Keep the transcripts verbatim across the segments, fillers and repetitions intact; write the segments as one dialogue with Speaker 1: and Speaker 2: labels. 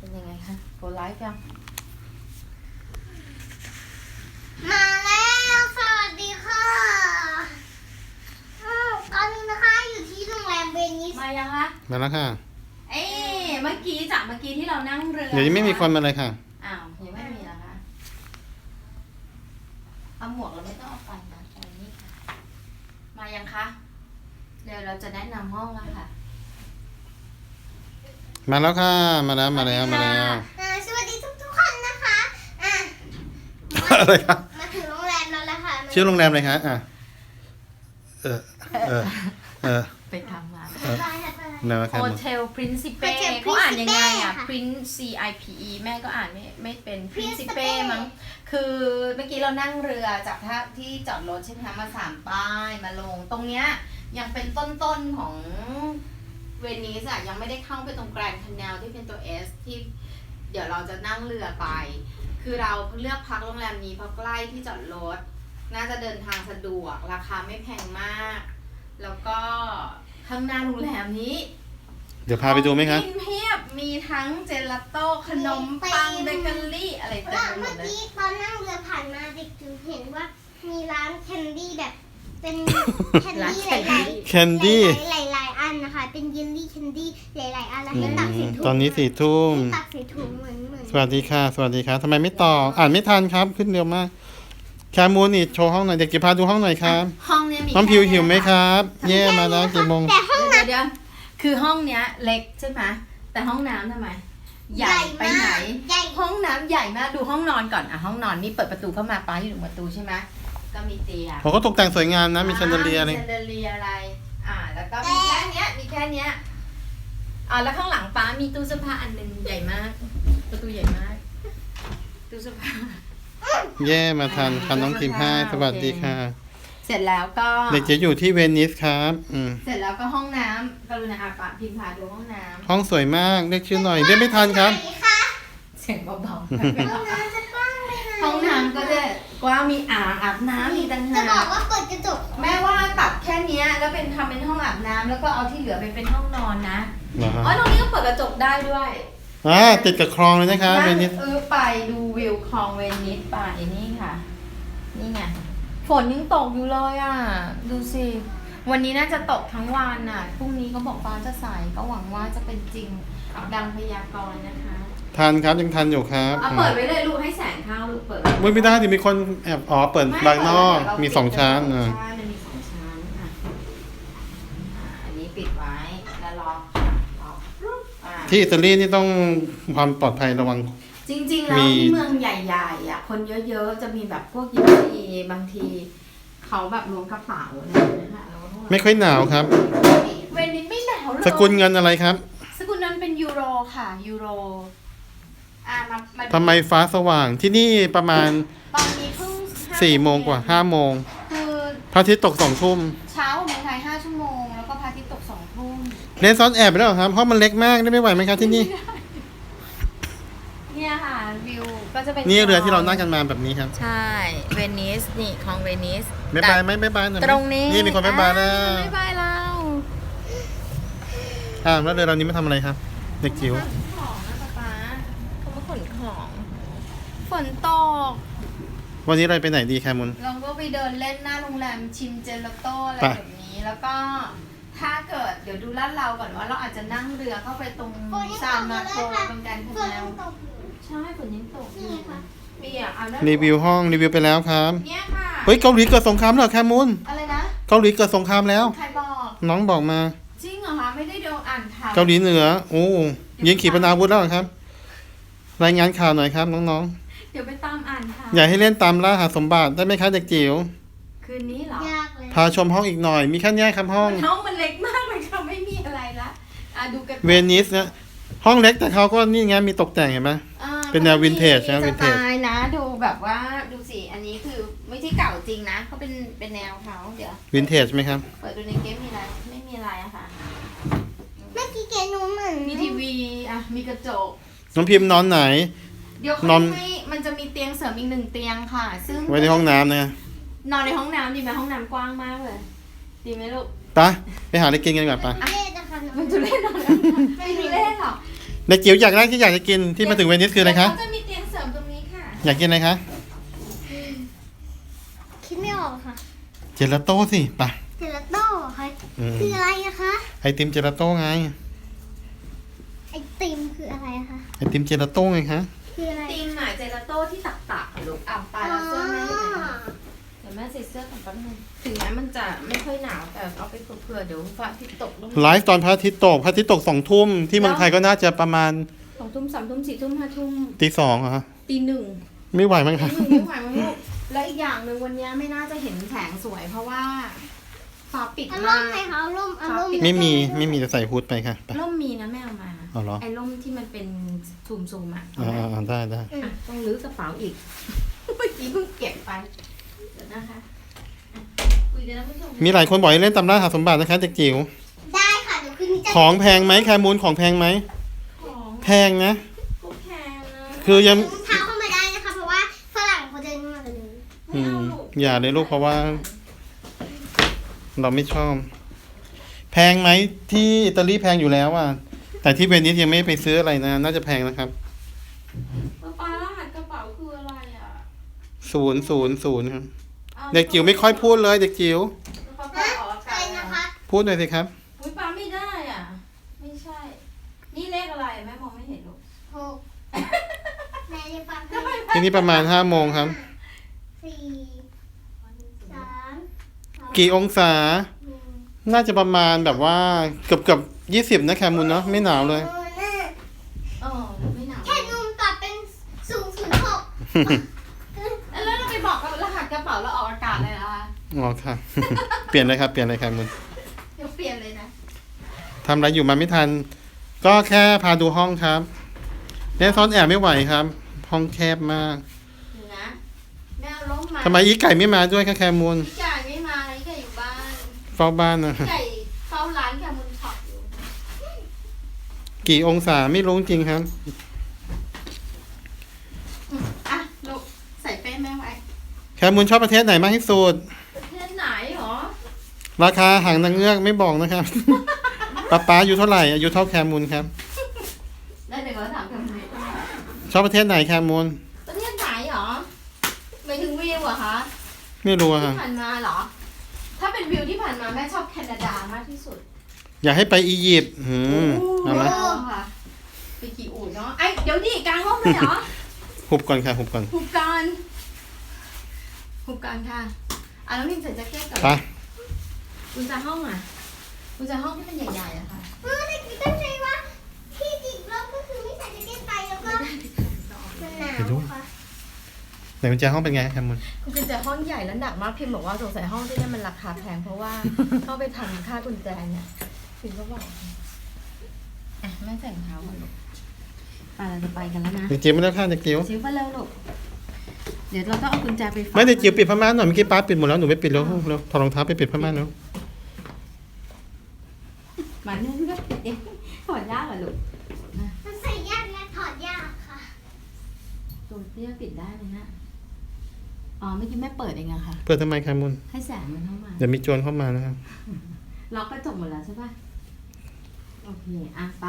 Speaker 1: เป็นยังไงคะโกไลฟ์ยัง
Speaker 2: มาแล้วสวัสดีค่ะอ้าวตอนนี้นะคะอยู่ที่โรงแรมเวนิส
Speaker 1: มายังคะ
Speaker 3: มาแล้วค่ะ
Speaker 1: เอ๊ะเมื่อกี้จากเมื่อกี้ที่เรานั่งเรือ
Speaker 3: เดี๋ยวยังไม่มีคนมาเลยค่ะ
Speaker 1: อ้าวยังไม่มีเหรอคะเอาหมวกเราไม่ต้องเอาไปนะเอาอันนี้ค่ะมายังคะเดี๋ยวเราจะแนะนำห้องแล้วค่ะ
Speaker 3: มาแล้วค่ะ มาแล้วมาแล้วมาแล้ว
Speaker 2: อ่าสวัสดีทุกทุกๆคนนะคะอ่ะ
Speaker 3: อะไรครับ
Speaker 2: มาถึงโรงแรมแล้วละค่ะ
Speaker 3: ชื่อโรงแรมอะไรคะอ่ะเออเออเออ
Speaker 1: ไปทำมา
Speaker 3: เออ
Speaker 2: ไปค่ะไป
Speaker 3: แนวแค
Speaker 1: โฮ
Speaker 3: ม
Speaker 1: เทล Principe
Speaker 2: Hotel
Speaker 1: เขาอ่านยังไงอ่ะ
Speaker 2: Principe ค่ะ
Speaker 1: Prince C I P E แม่ก็อ่านไม่ไม่เป็น
Speaker 2: Principe
Speaker 1: Principe มั้งคือเมื่อกี้เรานั่งเรือจากท่าที่จอดรถใช่ไหมคะมาสามป้ายมาลง ตรงเนี้ยยังเป็นต้นๆของเวนิสอะยังไม่ได้เข้าไปตรงแกรนด์คานาลที่เป็นตัว S ที่เดี๋ยวเราจะนั่งเรือไป คือเราเลือกพักโรงแรมนี้เพราะใกล้ที่จอดรถ น่าจะเดินทางสะดวกราคาไม่แพงมาก แล้วก็ข้างหน้าโรงแรมนี้
Speaker 3: เดี๋ยวพาไปดูไหมคะ
Speaker 1: กินเพียบมีทั้งเจลาโต้ขนมปังเบเกอรี่อะไรเต็ม
Speaker 2: แล้ว
Speaker 1: ไปหม
Speaker 2: เมื่อ
Speaker 1: ดเลย
Speaker 2: กี้ตอนนั่งเรือผ่านมาเด็กจึงเห็นว่ามีร้านแคนดี้แบบเป็นแคนดี้หลายๆ
Speaker 3: แคนดี้
Speaker 2: หลายๆหลายๆอันนะคะ เป็นเยลลี่แคนดี้หลายๆอันแล้ว
Speaker 3: อื
Speaker 2: ให้ตักใส่
Speaker 3: ม
Speaker 2: ถุง
Speaker 3: ตอนนี้สี่ทุ่ม
Speaker 2: ให้ตักใส่ถุงเหมือนเหมือน
Speaker 3: สวัสดีค่ะ สวัสดีค่ะทำไมไม่ต่อ อ่านไม่ทันครับ ขึ้นเร็วมากแคมูนี่โชว์ห้องหน่อยเด็กจะพาดูห้องหน่อยครับ
Speaker 1: ห้องเนี้ยมี
Speaker 3: น้องพิว
Speaker 1: แค่
Speaker 3: หิวไหม
Speaker 1: เนี้ย
Speaker 3: ครับ เย่มาแล้วกี่โมง
Speaker 2: แต่ห้อง
Speaker 1: เดี๋ยวเดี๋ยวคือห้องเนี้ยเล็กใช่ไหมแต่ห้องน้ำทำไม ใหญ่ไปไหน
Speaker 2: ใหญ่
Speaker 1: ห้องน้ำใหญ่มากดูห้องนอนก่อนอ่ะห้องนอนนี่เปิดประตูเข้ามาป้าอยู่ตรงประตูใช่ไหมก็มีเตียง
Speaker 3: ผมก็ตกแต่งสวยงามนะ มีแชนเดอเลียร์อะไร
Speaker 1: มีแชนเดอเลียร์อะไร อ่า แล้วก็มีแค่เนี้ย มีแค่เนี้ย อ่า แล้วข้างหลังป้ามีตู้เสื้อผ้าอันหนึงใหญ่มาก ประตูใหญ่มาก ตู้เสื้อผ้า
Speaker 3: เย่มาทันทันน้องทีมให้สวัสดีค่ะ
Speaker 1: เสร็จแล้วก็
Speaker 3: เด็กจะอยู่ที่เวนิสครับ อืม
Speaker 1: เสร็จแล้วก็ห้องน้ำกรุณาอาปะพิมพ์พาดูห้องน้
Speaker 3: ห้องสวยมาก เรียกชื่อหน่อย เรียกไม่ทันครับ
Speaker 2: ไหนคะ
Speaker 1: ำเสียงเบา
Speaker 2: ห้องน้ำจะกว้างไหมคะ
Speaker 1: ๆ ห้องน้ำก็จะกว้างมีอ่างอาบน้ำมีต่าง
Speaker 2: จะ
Speaker 1: หา
Speaker 2: บอก
Speaker 1: ก
Speaker 2: ว่าเปิดกระจก
Speaker 1: แม่ว่าตัดแค่เนี้ยแล้วเป็นทำเป็นห้องอาบน้ำแล้วก็เอาที่เหลือไปเป็นห้องนอนนะ
Speaker 3: เหรอฮะ
Speaker 1: อ๋อ ตรงนี้ก็เปิดกระจกได้ด้วย
Speaker 3: อ่าติดกับคลองเลยนะคะเวนิส
Speaker 1: เออไปดูวิวคลองเวนิสป่ะไอ้นี่ค่ะ นี่ไงฝนยังตกอยู่เลยอ่ะ ดูสิ วันนี้น่าจะตกทั้งวันอ่ะพรุ่งนี้ก็บอกฟ้าจะใสก็หวังว่าจะเป็นจริงดังพยากรณ์นะคะ
Speaker 3: ทันครับยังทันอยู่ครับ
Speaker 1: เอาเปิดไว้เลยลูกให้แสงเข้าลูกเปิดไว้
Speaker 3: ไม่ไม่ได้ดิมีคนแอบอ๋อเปิดบางนอกมีสองชั้นอ่า
Speaker 1: ใช่มันมีสองชั้นอ่ะอ่าอันนี้ปิดไว้แล้วล็อกล็อกอ่า
Speaker 3: ที่อิตาลีนี่ต้องความปลอดภัยระวัง
Speaker 1: จริงๆ แล้ว
Speaker 3: มี
Speaker 1: ที่เมืองใหญ่ๆอ่ะคนเยอะๆ จะมีแบบพวกยิปซีบางทีเขาแบบล้วงกระเป๋าอะไรอย่างเงี้ยค่ะแล้วก็
Speaker 3: ไม่ค่อยหนาวครับ
Speaker 1: เวนิสไม่หนาวเลย
Speaker 3: สกุลเงินอะไรครับ
Speaker 1: สกุลนั้นเป็นยูโรค่ะยูโรอ่ามามาดู
Speaker 3: ทำไมฟ้าสว่างที่นี่ประมาณ
Speaker 1: ตอนนี้เพิ่งห้า
Speaker 3: สี่โมงกว่าห้าโมง
Speaker 1: คือ
Speaker 3: พระอาทิตย์ตกสองทุ่ม
Speaker 1: เช้าเมืองไทยห้าชั่วโมง แล้วก็พระอาทิตย์ตกสองทุ่ม
Speaker 3: เล่นซ้อนแอบไปแล้วเหรอครับเพราะมันเล็กมากได้ไม่ไหวไหมครับที่นี่
Speaker 1: เนี่ยค่ะวิวก็จะเป็น
Speaker 3: นี่เรือที่เรานั่งกันมาแบบนี้ครับ
Speaker 1: ใช่เวนิสนี่ของเวนิส
Speaker 3: บ๊ายบายไหมบ๊ายบายหน่อยไหม
Speaker 1: ตรงนี้
Speaker 3: นี่มีคนบ๊ายบายแล้ว
Speaker 1: อ่บ๊ายบายเรา
Speaker 3: อ่าแล้วเรือลำนี้มาทำอะไรครับ เด็กจิ๋ว
Speaker 1: ขนของนะป๊าป๊าเขามาขนของ ฝนตก
Speaker 3: วันนี้เราไปไหนดีแคมุน
Speaker 1: เราก็ไปเดินเล่นหน้าโรงแรมชิมเจลาโต้อะไร
Speaker 3: ไป
Speaker 1: แบบนี้ แล้วก็ถ้าเกิดเดี๋ยวดูลาดเราก่อนว่าเราอาจจะนั่งเรือเข้าไปตรง
Speaker 2: ฝนยัง
Speaker 1: ซา
Speaker 2: ต
Speaker 1: น
Speaker 2: กอ
Speaker 1: มา
Speaker 2: ยู่
Speaker 1: โก
Speaker 2: เลยค่ะ
Speaker 1: ตรงการ
Speaker 2: ฝ
Speaker 1: พ
Speaker 2: น
Speaker 1: แน
Speaker 2: ยั
Speaker 1: ว
Speaker 2: งตกอยู่
Speaker 1: ใช่ฝนยังตก
Speaker 2: นี่ไงคะ
Speaker 1: มีอ่ะเอาได้
Speaker 3: รีวิวห้องรีวิวไปแล้วครับ
Speaker 1: เนี่ยค่ะ
Speaker 3: เฮ้ยเกาหลีเกิดสงครามแล้วเหรอแคมุน
Speaker 1: อะไรนะ
Speaker 3: เกาหลีเกิดสงครามแล้ว
Speaker 1: ใครบอก
Speaker 3: น้องบอกมา
Speaker 1: จริงเหรอคะไม่ได้ดูอ่านข่าว
Speaker 3: เกาหลีเหนือโอ้ยิงขีปนาวุธแล้วเหรอครับ รายงานข่าวหน่อยครับน้อง
Speaker 1: เดี๋ยวไปตามอ่านข่าว
Speaker 3: ๆ อยากให้เล่นตามล่าหาสมบัติได้ไหมครับเด็กจิ๋ว
Speaker 1: คืนนี้เหรอย
Speaker 2: ากเลย
Speaker 3: พาชมห้องอีกหน่อย มีแค่เนี้ยครับห้อง
Speaker 1: ห้องมันเล็กมากเลยค่ะไม่มีอะไรละอ่ะดูกัน
Speaker 3: เวนิสนะห้องเล็กแต่เขาก็นี่ไงมีตกแต่งเห็นไหม
Speaker 1: อ่า
Speaker 3: เป็นแนววินเทจนะ
Speaker 1: ส
Speaker 3: วินเทจ
Speaker 1: ไตล์นะดูแบบว่าดูสิอันนี้คือไม่ใช่เก่าจริงนะเขาเป็นเป็นแนวเขาเดี๋ยว
Speaker 3: วินเทจไหมครับ
Speaker 1: เปิดดูในเกมมีอะไรไม่มีอะไรอะค่ะ
Speaker 2: เมื่อกี้แกหนูเหมือน
Speaker 1: มีทีวีอ่ะมีกระจก
Speaker 3: น้องพิมพ์นอนไหน
Speaker 1: เดี๋ยวเขา
Speaker 3: นอน
Speaker 1: ให้มันจะมีเตียงเสริมอีกหนึ่งเตียงค่ะ ซึ่ง
Speaker 3: ไว้ในห้องน้ำนะ
Speaker 1: นอนในห้องน้ำดีไหมห้องน้ำกว้างมากเลยดีไหมลูก
Speaker 3: ไปไปหาอะไรกินกันดีกว่าไป
Speaker 2: เล่นนะคะหนู
Speaker 1: มันจะเล่นนอนไม่ได้เล่นหรอก
Speaker 3: เด็กจิ๋วอยากได้ที่อยากจะกินที่มาถึงเวนิสคืออะไรคะ
Speaker 1: เดี๋ยวเขาจะมีเตียงเสริมตรงนี้ค่ะ
Speaker 3: อยากกินอะไรคะ
Speaker 2: คิดไม่ออกค่ะ
Speaker 3: เจลาโต้สิไป
Speaker 2: เจลาโต้ค่ะ
Speaker 3: อืม
Speaker 2: คืออะไรอะคะ
Speaker 3: ไอติมเจลาโต้ไง
Speaker 2: ไอติมคืออะไรอะคะ
Speaker 3: ไอติมเจลาโต้ไงคะ
Speaker 2: คืออะไร
Speaker 1: ตีมหมายเจลาโต้ที่ตักตักๆอะลูกอ่ะตายแล้วเสื้อแม่อยู่ไหนคะเดี๋ยวแม่ใส่เสื้อก่อนแป๊บนึงถึงแม้มันจะไม่ค่อยหนาวแต่เอาไปเผื่อๆเดี๋ยวฟ้าอาทิตย์ตกลง
Speaker 3: ไลฟ์ตอนพระอาทิตย์ตกพระอาทิตย์ตกสองทุ่มที่เมืองไทยก็น่าจะประมาณ
Speaker 1: สองทุ่มสามทุ่มสี่ทุ่มห้าทุ่ม
Speaker 3: ตีสองอะฮะ
Speaker 1: ตีหนึ่ง
Speaker 3: ไม่ไหวมั้ง
Speaker 1: ตี
Speaker 3: คะ
Speaker 1: หนึ่งไม่ไหวมั้งลูกและอีกอย่างหนึ่งวันนี้ไม่น่าจะเห็นแสงสวย เพราะว่าฟ้าปิด
Speaker 2: อาร
Speaker 1: มาม
Speaker 2: ณ์ไหม
Speaker 1: ก
Speaker 2: คะอารมณ์อารมณ์
Speaker 3: ไม่มีไม่มีจะใส่ฮูดไปค่ะไป
Speaker 1: ร่มมีนะแม่เอามา
Speaker 3: เอาเหรอ
Speaker 1: ไอ้ร่มที่มันเป็นซูมซูมๆอ่ะ
Speaker 3: อ่าอ่าอ่าได้ได้
Speaker 1: อ่ะต้องรื้อกระเป๋าอีก เมื่อกี้เพิ่งเก็บไปเดี๋ยวนะคะอ่ะคุยกันนะผู้ชม
Speaker 3: มีหลายคนบอกให้เล่นตำราหาสมบัตินะคะเด็กจิ๋ว
Speaker 2: ได้ค่ะเดี๋ยวคืนนี้จะ
Speaker 3: ของแพงไหมแคมูลของแพงไหม
Speaker 1: ของ
Speaker 3: แพงนะ
Speaker 1: ก็แพงนะ
Speaker 3: คือยัง
Speaker 2: รองเท้าเข้ามาได้นะคะเพราะว่าฝรั่งเขาเดินมากันเลย
Speaker 3: อืมอย่าเลยลูกเพราะว่า เราไม่ชอบ แพงไหมที่อิตาลีแพงอยู่แล้วอ่ะแต่ที่เวนิสยังไม่ไปซื้ออะไรนะ น่าจะแพงนะครับ
Speaker 1: ป๊าป๊ารหัสกระเป๋าคืออะไรอ่ะ
Speaker 3: ศูนย์ศูนย์ศูนย์ครับ
Speaker 1: อ้าว
Speaker 3: เด็กจิ๋วไม่ค่อยพูดเลยเด็กจิ๋ว
Speaker 1: ป๊าป๊า
Speaker 2: ฮะ
Speaker 1: ออกอา
Speaker 2: อะ
Speaker 1: กา
Speaker 2: ไร
Speaker 1: ศ
Speaker 2: นะคะ
Speaker 3: พูดหน่อยสิครับ
Speaker 1: อุ้ยป๊าไม่ได้อ่ะ ไม่ใช่ นี่เลขอะไรแม่มองไม่เห็นลูก
Speaker 2: หกแม่จะฟัง
Speaker 1: ทำไม
Speaker 3: ที่นี่ประมาณห้าโมงครับ
Speaker 2: สี่สามสอง
Speaker 3: กี่องศา
Speaker 2: หนึ่ง
Speaker 3: น่าจะประมาณแบบว่าเกือบเกือบยี่สิบนะแคมูลเนาะไม่หนาวเลย
Speaker 2: โอ้น่ะ
Speaker 1: เออไม่หนาว
Speaker 2: แค่นุ่มกลับเป็นศูนย์ศูนย์หก
Speaker 1: แล้วเราไปบอกกับรหัสกระเป๋าแล้วออกอากาศเลยเหรอคะ
Speaker 3: อ๋อค่ะ เปลี่ยนเลยครับเปลี่ยนเลยแคมูล
Speaker 1: เดี๋ยวเปลี่ยนเลยนะ
Speaker 3: ทำอะไรอยู่มาไม่ทัน ก็แค่พาดูห้องครับเล่นซ่อนแอบไม่ไหวครับ ห้องแคบมาก
Speaker 1: เดี๋ยวนะแม่เอาล้มมา
Speaker 3: ทำไมอีไก่ไม่มาด้วยคะแคมูล
Speaker 1: พี่ไก่ไม่มาพี่ไก่อยู่บ้าน
Speaker 3: เฝ้าบ้านนะ
Speaker 1: พี่ไก่เฝ้าร้านแคมุนช็อปอยู่
Speaker 3: กี่องศาไม่รู้จริงครับ
Speaker 1: อืมอ่ะลูกใส่เป้แม่ไว้
Speaker 3: แคมูลชอบประเทศไหนมากที่สุด
Speaker 1: ประเทศไหนหรอ
Speaker 3: ราคาหางนางเงือกไม่บอกนะครับ ป๊าป๊าอายุเท่าไหร่อายุเท่าแคมูลครับ
Speaker 1: แล้วเดี๋ยวเราถามแคมุน
Speaker 3: ชอบประเทศไหนแคมูล
Speaker 1: ประเทศไหนหรอหมายถึงวิวเหรอคะ
Speaker 3: ไม่รู้อะ
Speaker 1: ที่
Speaker 3: ค่ะ
Speaker 1: ผ่านมาเหรอ ถ้าเป็นวิวที่ผ่านมาแม่ชอบแคนาดามากที่สุด
Speaker 3: อยากให้ไปอียิปต์หืมเอาไหม
Speaker 1: เอาค่ะไปขี่อูฐเนาะไอยเดี๋ยวดิกลางห้องเลยเหรอ
Speaker 3: หุบก่อนค่ะหุบก่อน
Speaker 1: หุบกันหุบกันค่ะอ่ะแล้วนิ่งใส่แจ็คเก็ตก่อน
Speaker 3: ไป
Speaker 1: กุญแจห้องอ่ะกุญแจห้องที่มันใหญ่ๆอะค่ะ
Speaker 2: เออแต่คิดตั้งใจว่าที่จริงแล้วก็คือไม่ใส่แจ็คเก็ตไปแล้วก็มันหนาวค่ะ
Speaker 3: ไหนกุญแจห้องเป็นไงแคมูล
Speaker 1: กุญแจห้องใหญ่แล้วหนักมากพิมพ์บอกว่าสงสัยห้องที่นี่มันราคาแพงเพราะว่า เข้าไปทำค่ากุญแจเนี่ยพิมพ์ก็บอกอ่ะแม่ใส่รองเท้าก่อนลูกไปเราจะไปกันแล้วนะ
Speaker 3: เด็กจิ๋วไม่ได้ค่ะเด็กจิ๋ว
Speaker 1: จิ๋วไปเร็วลูกเดี๋ยวเราต้องเอากุญแจไปฝาก
Speaker 3: ไม่เด็กจิ๋วปิดผ้าม่านหน่อยเมื่อกี้ป้าปิดหมดแล้วหนูไม่ปิดแล้วเร็วถอดรองเท้าไปปิดผ้าม่านแล้ว
Speaker 1: หมานึ่งก็ปิดเองถอดยากเหรอลูก
Speaker 2: มันใส่ยากและถอดยากค่ะ
Speaker 1: ตัวเตี้ยปิดได้เลยนะอ๋อเมื่อกี้แม่เปิดเองอะค่ะ
Speaker 3: เปิดทำไมแคมูล
Speaker 1: ให้แสงมันเข้ามา
Speaker 3: เดี๋ยวมีโจรเข้ามานะครับ
Speaker 1: ล็อกกระจกหมดแล้วใช่ปะโอเคอ่ะไป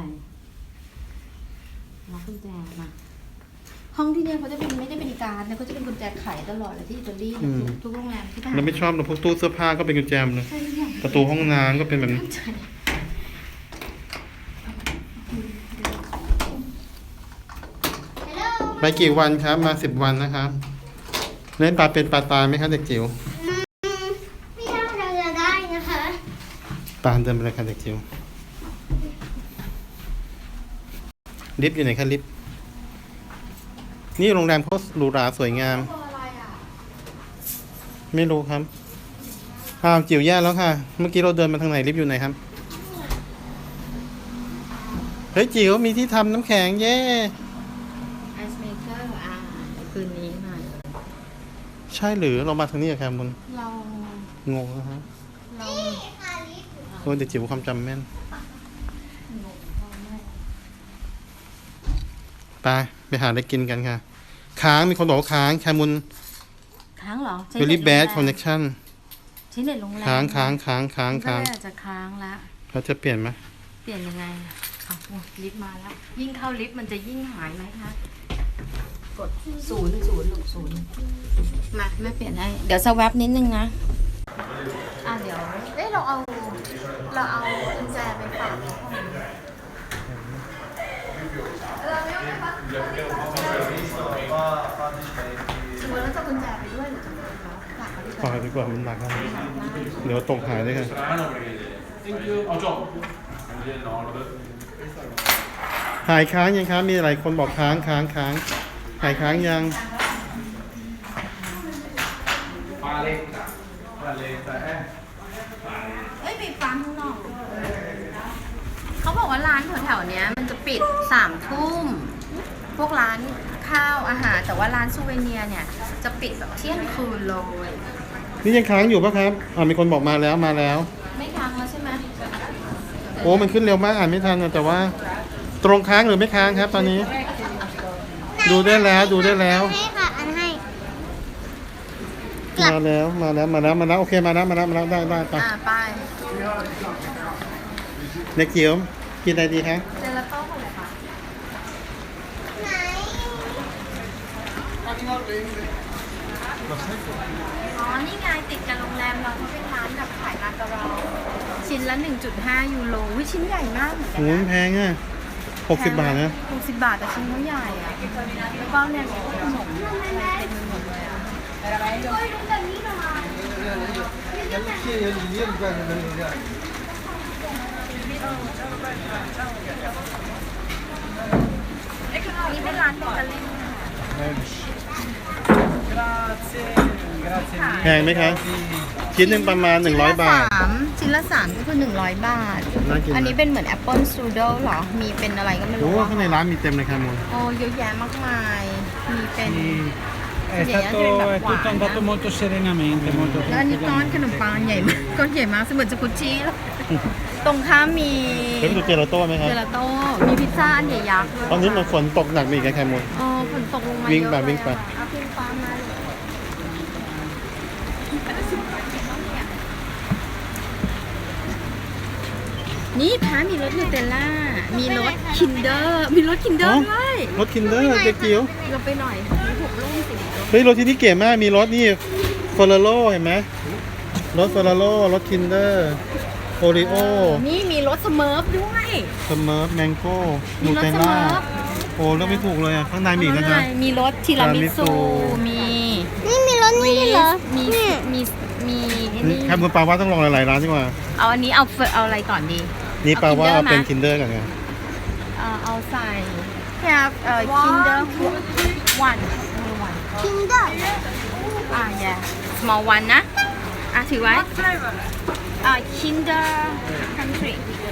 Speaker 1: ล็อกกุญแจมาห้องที่เนี่ยเขาจะเป็นไม่ได้เป็นการ์ดนะเขาจะเป็นกุญแจไขตลอดเลยที่อิตาลีเนี่ยทุกทุกโรงแรมที่ผ่าน
Speaker 3: เราไม่ชอบเราพวกตู้เสื้อผ้าก็เป็นกุญแจหมดเลย
Speaker 1: ใช่ใช่
Speaker 3: ประตูห้องน้ำก็เป็นแบบนี้
Speaker 1: ใช่
Speaker 2: ฮัลโหล
Speaker 3: ไปกี่วันครับมาสิบวันนะครับเล่นปลาเป็นปลาตายไหมครับเด็กจิ๋ว
Speaker 2: อืมไม่ได้เราจะได้นะคะ
Speaker 3: ปลาเดินไปเลยครับเด็กจิ๋วลิฟต์อยู่ไหนครับลิฟต์นี่โรงแรมโคตรหรูหราสวยงาม
Speaker 1: ตัวอะไรอ่ะ
Speaker 3: ไม่รู้ครับอ้าวจิ๋วแย่แล้วค่ะ เมื่อกี้เราเดินมาทางไหนลิฟต์อยู่ไหนครับเฮ้ยจิ๋วมีที่ทำน้ำแข็งเย่
Speaker 1: ไอซ์เมเกอร์อ่าคืนนี้มา
Speaker 3: ใช่หรือเรามาทางนี้อะครับมุน
Speaker 1: เรา
Speaker 3: งงนะฮะ
Speaker 1: เรา
Speaker 2: นี่ค่ะลิฟต์
Speaker 3: โอ้เด็กจิ๋วความจำแม่น
Speaker 1: งงเราไม่
Speaker 3: ไปไปหาอะไรกินกันค่ะ ค้างมีคนบอกว่าค้างแคมุน
Speaker 1: ค้างเหรอ
Speaker 3: เวลี่แบดคอนเนคชั่น
Speaker 1: ใช้เน็ตโรงแรม
Speaker 3: ค้างค้างค้างค้างค้าง
Speaker 1: ก็เลยอาจจะค้างละ
Speaker 3: เขาจะเปลี่ยนไหม
Speaker 1: เปลี่ยนยังไง
Speaker 3: ก
Speaker 1: อ่ะโอ้ลิฟต์มาแล้ว ยิ่งเข้าลิฟต์มันจะยิ่งหายไหมคะ กดศูนย์ศูนย์ลงศูนย์มาแม่เปลี่ยนให้ เดี๋ยวสแวปนิดนึงนะ อ่ะเดี๋ยว เอ้ยเราเอา เราเอากุญแจไปฝากเขาก่อนเราไม่เอาไปฝากสมมติเราจะกุญแจไปด้วยหรือจะฝากเขาฝากเขาดีก
Speaker 3: ฝา
Speaker 1: ว่าก
Speaker 3: ดีกว่ามันหนักนะเดี๋ยวตกหายเลยค่ะ หายค้างยังครับ มีหลายคนบอกค้างค้างค้างหายค้างยัง
Speaker 1: เอ้ยปิดฟังข้างนอก เขาบอกว่าร้านแถวๆเนี้ยมันจะปิดสามทุ่ม พวกร้านข้าวอาหาร แต่ว่าร้านซูเวเนียร์เนี่ย จะปิดแบบเที่ยงคืนเลย
Speaker 3: นี่ยังค้างอยู่ปะครับอ่ามีคนบอกมาแล้วมาแล้ว
Speaker 1: ไม่ค้างแล้วใช่ไหม
Speaker 3: โอ้มันขึ้นเร็วมากอ่านไม่ทันอะแต่ว่า ตรงค้างหรือไม่ค้างครับ ตอนนี้ ดูได้แล้วดูได้แล้ว
Speaker 2: ให้ค่ะ อันให้
Speaker 3: มาแล้วมาแล้วมาแล้วมาแล้วโอเคมาแล้วมาแล้วมาแล้วได้ได้ไป
Speaker 1: อ่าไป
Speaker 3: เด็กเกี๊ยวกินอะไรดีคะ
Speaker 1: เจลาโต้ของค่ะ
Speaker 2: ไหน
Speaker 1: อ๋อ นี่ไงติดกับโรงแรมเราเขาเป็นร้านแบบขายร้านกะเราชิ้นละ หนึ่งจุดห้า ยูโรวิชิ้นใหญ่มากเหมือนกั
Speaker 3: โอ้
Speaker 1: น
Speaker 3: มัน
Speaker 1: นะ
Speaker 3: แพงอ่ะหกสิบบาทนะ
Speaker 1: หกสิบบาทแต่ชิ้นเขาใหญ่อะแล้วก็เนี่ยมีขนมอะไรเต็มไปหมดเลยอะนี่เป็นร้านเบเกอรี่ค่ะ
Speaker 3: แพงไหมคะชิ้นหนึ่งประมาณหนึ่งร้อยบาท
Speaker 1: ชิ้นละสามก็คือหนึ่งร้อยบาท
Speaker 3: น่ากิน
Speaker 1: อันนี้เป็นเหมือนแอปเปิลสตรูเดิลเหรอ มีเป็นอะไรก็ไม่
Speaker 3: โอ้
Speaker 1: รู้อะ
Speaker 3: ข้างในร้านมีเต็มเลยค่ะมูล
Speaker 1: โอ้เยอะแยะมากมาย มีเป็น
Speaker 4: È stato è tutto andato molto serenamente, molto
Speaker 1: แล้วอันนี้ก้อนขนมปังใหญ่มากก้อนใหญ่มากเสมือนสกุชชี่เลยตรงข้ามมี
Speaker 3: เดี๋ยวไปดูเจลาโต้ไหมครับ
Speaker 1: เจลาโต้ มีพิซซ่าอันใหญ่ยักษ์ด้วย
Speaker 3: ตอนนี้มันฝนตกหนักมีกแคมูล
Speaker 1: อ๋อฝนตกลงมา
Speaker 3: วิ่ง
Speaker 1: เยอะ
Speaker 3: ไป
Speaker 1: เลย
Speaker 3: วิ่งไป
Speaker 1: อะเอาพิมพ์ปลามาเลยนี่พามีรสนูเทลล่า มีรสคินเดอร์ มีรสคินเดอร์ด้วย
Speaker 3: รถคินเดอร์เด็กเกี๊ยว
Speaker 1: เราไปหน่อยมีหกลูกสิบลูก
Speaker 3: เฮ้ยรถที่นี่เก๋มากมีรถนี่เฟอร์ราโร่เห็นไหมรถเฟอร์ราโร่รถคินเดอร์โอริโอ
Speaker 1: นี่มีรสสเมิร์ฟด้วย
Speaker 3: สเมิร์ฟแมงโก้
Speaker 1: มี
Speaker 3: นู
Speaker 1: รส
Speaker 3: เทล
Speaker 1: ส
Speaker 3: ล่า
Speaker 1: เมิร์ฟ
Speaker 3: โอ้เลือกไม่ถูกเลยอ่ะข้างในมีอีกนะครับ
Speaker 1: มีรสทีรามิสุ มี
Speaker 2: นี่มีรถนี่ด้วยเหรอ
Speaker 1: มี
Speaker 2: เนี่ย
Speaker 1: มี มีไอ้
Speaker 3: นี่
Speaker 1: นี่
Speaker 3: แคมูลปลาว่าต้องลองหลายๆร้านดีกว่า
Speaker 1: เอาอันนี้เอาเฟเอาอะไรก่อนดี
Speaker 3: นี่ปลาว่าเอาเป็น
Speaker 1: คิ
Speaker 3: คิ
Speaker 1: น
Speaker 3: นเดอร์กันไง
Speaker 1: เอาเอาใส่แค่เอ่อคินเดอร์วันมีวัน
Speaker 2: คินเดอร์
Speaker 1: อ่า yeah small one นะ อ่ะถือไว้อ่า Kinder Country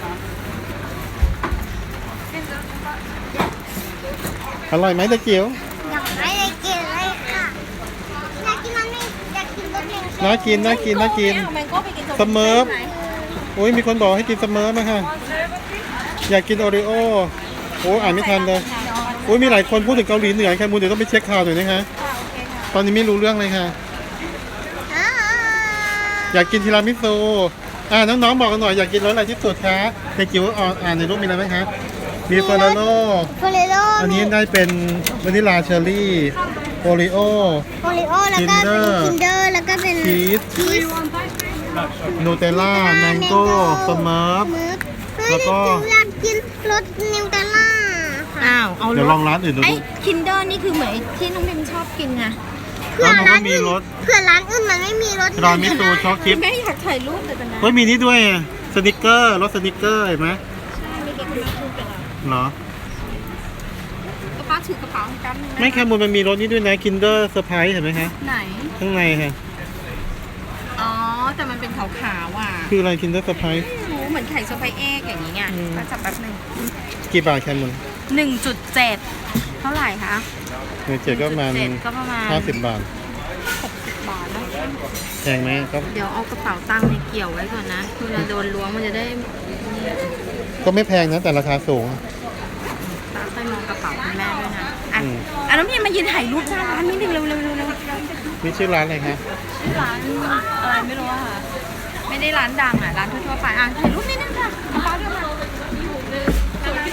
Speaker 3: อร่อยไหมตะเกียว
Speaker 2: อยากไม่ได้กินเลยค่ะอยากกินมันไม่อยากกินรสแมงโก้
Speaker 3: น่ากินน่ากินน่ากิน
Speaker 1: แมงโก้ไปกิน
Speaker 3: สเมิร์ฟ โอ้ยมีคนบอกให้กินสเมิร์ฟมาค่ะอยากกินโอริโอโอ้ยอ่านไม่ทันเลยโอ้ยมีหลายคนพูดถึงเกาหลีเหนือแคมูลเดี๋ยวต้องไปเช็คข่าวหน่อยนะคะตอนนี้ไม่รู้เรื่องเลยค่ะ
Speaker 2: อ่า
Speaker 3: อยากกินทีรามิสุอ่าน้องๆบอกกันหน่อยอยากกินรสอะไรที่สุดคะในจิ๋วอ่านอ่านในรูปมีอะไรไหมคะมีเฟอร์ราโร่
Speaker 2: โฟเรโล
Speaker 3: อันนี้ได้เป็นวานิลลาเชอร์รี่โอริโอ
Speaker 2: โฟเรโอแล้วก็เป็น
Speaker 3: Kinder
Speaker 2: คินเดอร์แล้วก็เป็น
Speaker 3: ชีส
Speaker 2: ชีส
Speaker 3: นูเทลล่าแมงโก้สเมิร์ฟ
Speaker 2: เมิร์ฟเฮ้ย
Speaker 3: แล้วก็
Speaker 2: อยากกินรสนิวเทลล่าค่ะ
Speaker 1: อ้าว เอา
Speaker 3: เดี๋ยวลองร้านอื่นดู
Speaker 1: ไอ้
Speaker 3: ดู
Speaker 1: คินเดอร์นี่คือเหมือนไอ้ที่น้องพิมชอบกินไง
Speaker 2: เผื่อ
Speaker 3: แล้วมันก็
Speaker 2: ร้าน
Speaker 3: มี
Speaker 2: อื่น
Speaker 3: รส
Speaker 2: เผื่อร้านอื่นมันไม่มีรส
Speaker 3: รามิสุช็อกชิป
Speaker 1: แม่อยากถ่ายรูปแต่ตอนนั้น
Speaker 3: เฮ้ยมีนี่ด้วยสนิกเกอร์รสสนิกเกอร์เห็นไหม
Speaker 1: มีเด็กคนนั้นพูดไปแล้ว
Speaker 3: เหรอ
Speaker 1: ก็ป้าถือกระเป๋ากัน
Speaker 3: ไม่แค่มูลมันมีรสนี้ด้วยนะคินเดอร์เซอร์ไพรส์เห็นไหมคะ
Speaker 1: ไหน
Speaker 3: ข้างในค่ะ
Speaker 1: อ๋อ แต่มันเป็นขาวๆอ่ะ
Speaker 3: คืออะไรคินเดอร์เซอร์ไพรส์
Speaker 1: ไม่รู้เหมือนไข่สไปเอ็กอย่างนี้ไง
Speaker 3: อืม
Speaker 1: ก็จับแป๊บหนึง
Speaker 3: กี่บาทแคมูล
Speaker 1: หนึ่งจุดเจ็ดเท่าไหร่คะ
Speaker 3: เงินเจ็ดก็ประมาณ
Speaker 1: เจ็ดก็ประมาณ
Speaker 3: ห้าสิบบาท
Speaker 1: หกสิบบาทนะ
Speaker 3: แพงไหมก็
Speaker 1: เดี๋ยวเอากระเป๋าตังค์ในเกี่ยวไว้ก่อนนะคือเราโดนล้วงมันจะได้นี่
Speaker 3: ก็ไม่แพงนะแต่ราคาสูง
Speaker 1: ตาค่อยมองกระเป๋าคุณแม่ด้วยนะอ่ะ
Speaker 3: อืม
Speaker 1: อ่ะน้องพี่มายืนถ่ายรูปหน้าร้านนิดนึงเร็วๆเร็วๆเร็ว
Speaker 3: นี่ชื่อร้านอะไรคะ
Speaker 1: ๆร้านอะไรไม่รู้อะค่ะ ไม่ได้ร้านดังอ่ะ ร้านทั่วๆไปอ่ะถ่ายรูปนิดนึงค่ะกระเป๋าเดินมา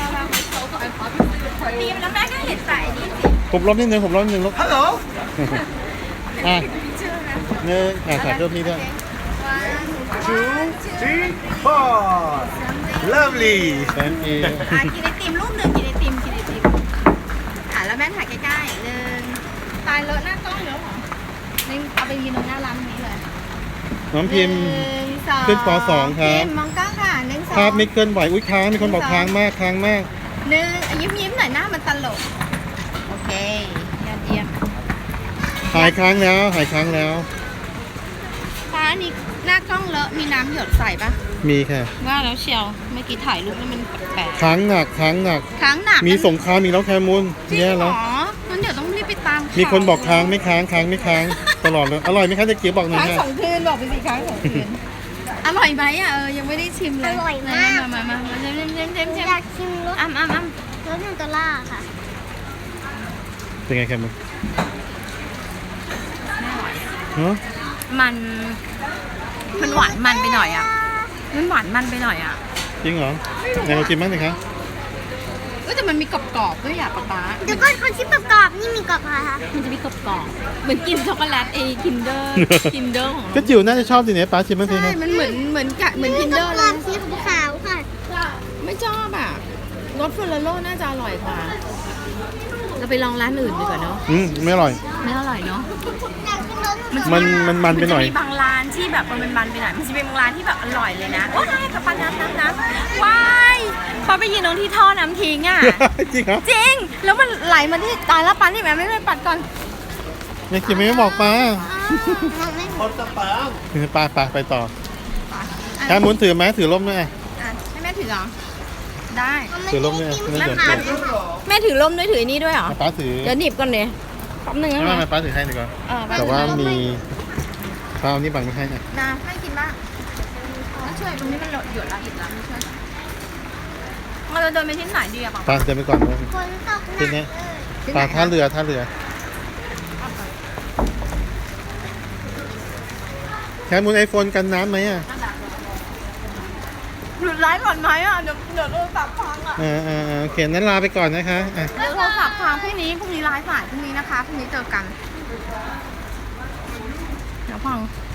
Speaker 1: นี้แล้วแม่ก็เห็นใส่นี่สิ
Speaker 3: ผมลบนิดนึงผมลบนิดนึงลบ
Speaker 4: Hello.
Speaker 3: อ่ะเนี่ยอ่ะถ่ายรูปนี้ด้วย
Speaker 4: Two, three, four. Lovely.
Speaker 3: thank you
Speaker 1: อ่ะกินไอติมรูปหนึ่งกินไอติมกินไอติมอ่ะแล้วแม่ถ่ายใกล้ๆหนึ่งตายเลอะหน้ากล้องแล้วเหรอนี่เอาไปยืนตรงหน้าร้านนี้เลย
Speaker 3: น้องพิมพ์
Speaker 1: หนึ่งสอง
Speaker 3: ขึ้นปสองครับ
Speaker 1: พิมพ์มองกล้องค่ะหนึ่งสอง
Speaker 3: ภาพไม่เคลื่อนไหวอุ้ยค้างมีคนบอกค้างมากค้างมาก
Speaker 1: หนึ่งอ่ะยิ้มยิ้มๆหน่อยหน้ามันตลกโอเคยอดเยี่ยม
Speaker 3: หายค้างแล้วหายค้างแล้ว
Speaker 1: ฟ้านี่หน้ากล้องเลอะมีน้ำหยดใส่ปะ
Speaker 3: มีค่ะ
Speaker 1: ว่าแล้วเชียวเมื่อกี้ถ่ายรูปแล้วมันแปลก
Speaker 3: ค้างหนักค้างหนัก
Speaker 1: ๆค้างหนัก
Speaker 3: มีสงครามอีกแล้วแคมูล
Speaker 1: จริง
Speaker 3: แย่
Speaker 1: เหร
Speaker 3: แล้ว
Speaker 1: องั้นเดี๋ยวต้องรีบไปตาม
Speaker 3: มีคนบอกค้างไม่ค้างค้างไม่ค้างตลอดเลยอร่อยไหมคะเจ๊เกียวบอกหน่อย
Speaker 1: ค้าง
Speaker 3: ค่ะ
Speaker 1: สองคืนบอกไปสิค้างสองคืนอร่อยไหมอ่ะเออยังไม่ได้ชิมเลย
Speaker 2: อร่อยมาก
Speaker 1: มามามามาเชิมเชิมเชิมเชิมเชิม
Speaker 2: อยากชิมรส
Speaker 1: อ้ำอ้ำอ้ำ
Speaker 2: รสนูเทลล่าค่ะ
Speaker 3: เป็นไงแคมูล
Speaker 1: ไม่อร่อย
Speaker 3: ฮะ
Speaker 1: มันมันหวานมันไปหน่อยอ่ะมันหวานมันไปหน่อยอ่ะ
Speaker 3: จริงเหรอไหนเราชิมบ้างสิคะ
Speaker 1: ก็แต่มันมีกรอบๆด้วยอ่ะป๊าป๊า
Speaker 2: เดี๋ยวก่อนคนชิมประกอบนี่มีกรอบอะไรคะ
Speaker 1: มันจะมีกรอบๆเหมือนกินช็อกโกแลตไอ้คินเดอร์คินเดอร์ของ
Speaker 3: ก็
Speaker 1: เรา
Speaker 3: จิ๋วน่าจะชอบสิเนี่ยป้าชิมบ้างสิ
Speaker 1: ใช่
Speaker 3: คะ
Speaker 1: มันเหมือนเหมือนกะเหมือนคินเดอร์
Speaker 2: ก
Speaker 1: เล
Speaker 2: รอย บสีขาวค่ะ
Speaker 1: ไม่ชอบอ่ะรสเฟอร์โลน่าจะอร่อยกว่า เราไปลองร้านอื่นดีกว่าเนาะ
Speaker 3: อืมไม่อร่อย
Speaker 1: ไม่อร่อยเนาะ
Speaker 2: อยากชิมรสนูเทล
Speaker 3: มั
Speaker 2: ล่าน
Speaker 3: มันมันไปหน่อย
Speaker 1: จะมีบางร้านที่แบบมันมันไปหน่อย มันจะเป็นบางร้านที่แบบอร่อยเลยนะว้ายกระปันน้ำน้ำน้ำว้ายพอไปยืนตรงที่ท่อน้ำทิ้งอ่ะ
Speaker 3: จริงเหรอ
Speaker 1: จริง แล้วมันไหลมาที่ตายแล้วปันที่แม่ไม่ไม่ปัดก่อน
Speaker 3: ยังกินไม่บอกป้า
Speaker 2: มองไม่เห็น
Speaker 4: Porta pam.
Speaker 3: ป้าป้าไปต่อแคมูลถือไหมถือร่มด้วย
Speaker 1: อ่ะให้แม่ถือเหรอ ได้
Speaker 3: ถือร่มด้วย
Speaker 2: มัน
Speaker 3: ไม่
Speaker 2: ไม่
Speaker 3: ได้
Speaker 2: ได้
Speaker 3: เดี๋ยว
Speaker 2: กิน
Speaker 3: เดี๋ยว
Speaker 1: แม่ถือร่มด้วยถือนี่ด้วยเหรอ
Speaker 3: ป้าถือ
Speaker 1: เดี๋ยวหนีบก่อนเลยแป๊บนึงนะ
Speaker 3: ไม่
Speaker 1: คะ
Speaker 3: ไม่ป้าถือให้ดีกว่า
Speaker 1: เออแป๊บ
Speaker 3: แต่
Speaker 1: นึง
Speaker 3: ว่า
Speaker 1: นะ
Speaker 3: มีป้าเอานี่บังไม่ให้นะ
Speaker 1: นะให้กินบ้างแล้วช่วยตรงนี้มันหยดละอีกแล้วไม่ช่วยเราจะเดินไปที่ไหนดีอะป๋า
Speaker 3: ป้าเดินไปก่อนเลย
Speaker 2: ฝนตกห
Speaker 3: ที
Speaker 2: นัก
Speaker 3: นี้
Speaker 2: เลย
Speaker 3: ป้าท่าเรือท่าเรือแคมูลไอโฟนกันน้ำไหมอ่ะ
Speaker 1: หยุดไลฟ์ก่อนไหมอ่ะ เดี๋ยวเดี๋ยวโทรศัพท์พังอ่ะ
Speaker 3: อ่าอ่าอ่าโอเคนั้นลาไปก่อนนะคะอ่ะ
Speaker 1: เดี๋ยวโทรศัพท์พังพรุ่งนี้พรุ่งนี้ไลฟ์สายพรุ่งนี้นะคะพรุ่งนี้เจอกัน เดี๋ยวพัง